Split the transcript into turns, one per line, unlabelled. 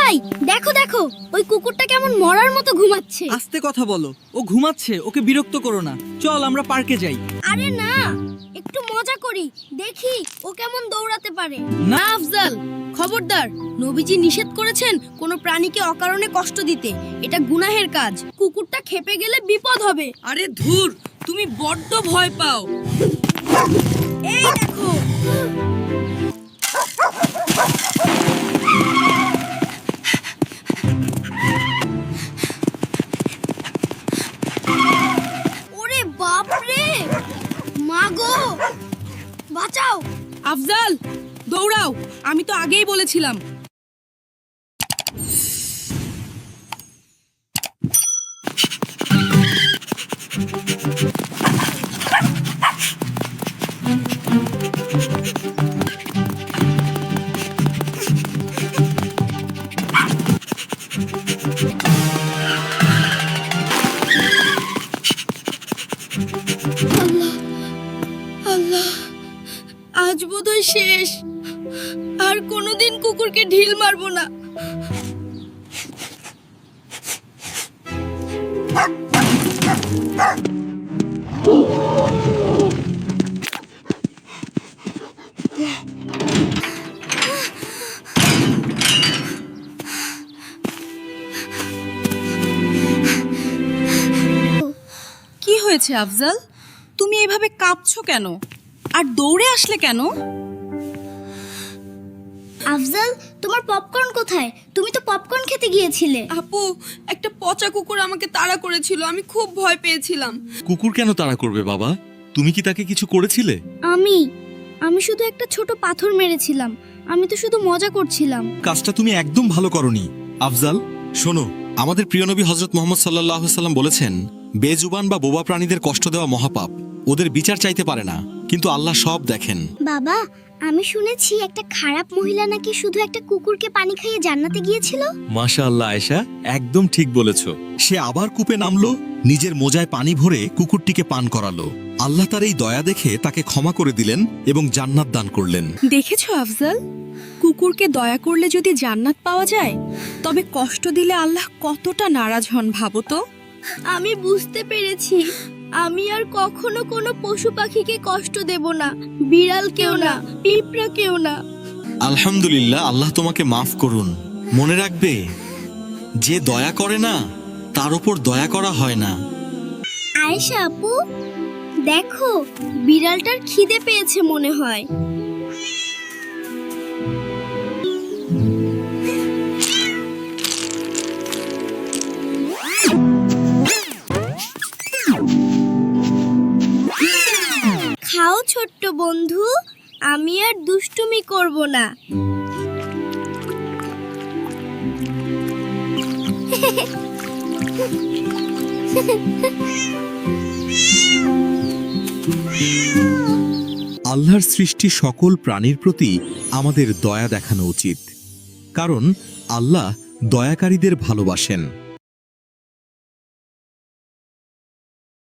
ভাই দেখো দেখো, ওই কুকুরটা কেমন মরার মতো ঘুমাচ্ছে।
আস্তে কথা বলো, ও ঘুমাচ্ছে, ওকে বিরক্ত করো না। চল আমরা পার্কে যাই।
আরে না, একটু মজা করি, দেখি ও কেমন দৌড়াতে পারে।
না।
না আফজাল, খবরদার, নবীজি নিষেধ করেছেন কোনো প্রাণীকে অকারণে কষ্ট দিতে। এটা গুনাহের কাজ। কুকুরটা খেপে গেলে বিপদ হবে।
আরে ধুর, তুমি বড্ড ভয় পাও।
এই দেখো, ওরে বাপ রে, মা গো, বাঁচাও।
আফজাল, দৌড়াও, আমি তো আগেই বলেছিলাম।
আল্লাহ, আজ বোধহয় শেষ। আর কোনোদিন কুকুরকে ঢিল মারবো না।
কি হয়েছে আফজাল? তুমি এভাবে কাঁপছো কেন? আর দৌড়ে আসলে কেন?
আফজাল, তোমার পপকর্ন কোথায়? তুমি তো পপকর্ন খেতে গিয়েছিলে।
আপু, একটা পচা কুকুর আমাকে তাড়া করেছিল, আমি খুব ভয় পেয়েছিলাম।
কুকুর কেন তাড়া করবে বাবা? তুমি কি তাকে কিছু করেছিলে?
আমি শুধু একটা ছোট পাথর মেরেছিলাম। আমি তো শুধু মজা করছিলাম।
কাজটা তুমি একদম ভালো করনি। আফজাল, শোনো, আমাদের প্রিয় নবী হযরত মুহাম্মদ সাল্লাল্লাহু আলাইহি সাল্লাম বলেছেন, বেজুবান বা বোবা প্রাণীদের কষ্ট দেওয়া মহাপাপ। ওদের বিচার চাইতে পারে না, কিন্তু আল্লাহ সব দেখেন।
বাবা, আমি শুনেছি একটা খারাপ মহিলা নাকি শুধু একটা কুকুরকে পানি খাইয়ে জান্নাতে গিয়েছিল।
মাশাআল্লাহ আয়েশা, একদম ঠিক বলেছ। সে আবার কূপে নামলো, নিজের মোজায় পানি ভরে কুকুরটিকে পান করালো। আল্লাহ তার এই দয়া দেখে তাকে ক্ষমা করে দিলেন এবং জান্নাত দান করলেন।
দেখেছো আফজাল, কুকুরকে দয়া করলে যদি জান্নাত পাওয়া যায়, তবে কষ্ট দিলে আল্লাহ কতটা নারাজ হন ভাবো তো।
আমি বুঝতে পেরেছি, আমি আর কখনো কোনো পশু পাখিকে কষ্ট দেব না, বিড়ালকেও না, পিঁপড়াকেও না।
আলহামদুলিল্লাহ, আল্লাহ তোমাকে মাফ করুন। মনে রাখবে, যে দয়া করে না তার উপর দয়া করা হয় না।
আয়েশা আপু, দেখো, বিড়ালটার খিদে পেয়েছে মনে হয়। খাও ছোট্ট বন্ধু, আমি আর দুষ্টুমি করব না।
আল্লাহর সৃষ্টি সকল প্রাণীর প্রতি আমাদের দয়া দেখানো উচিত, কারণ আল্লাহ দয়াকারীদের ভালোবাসেন।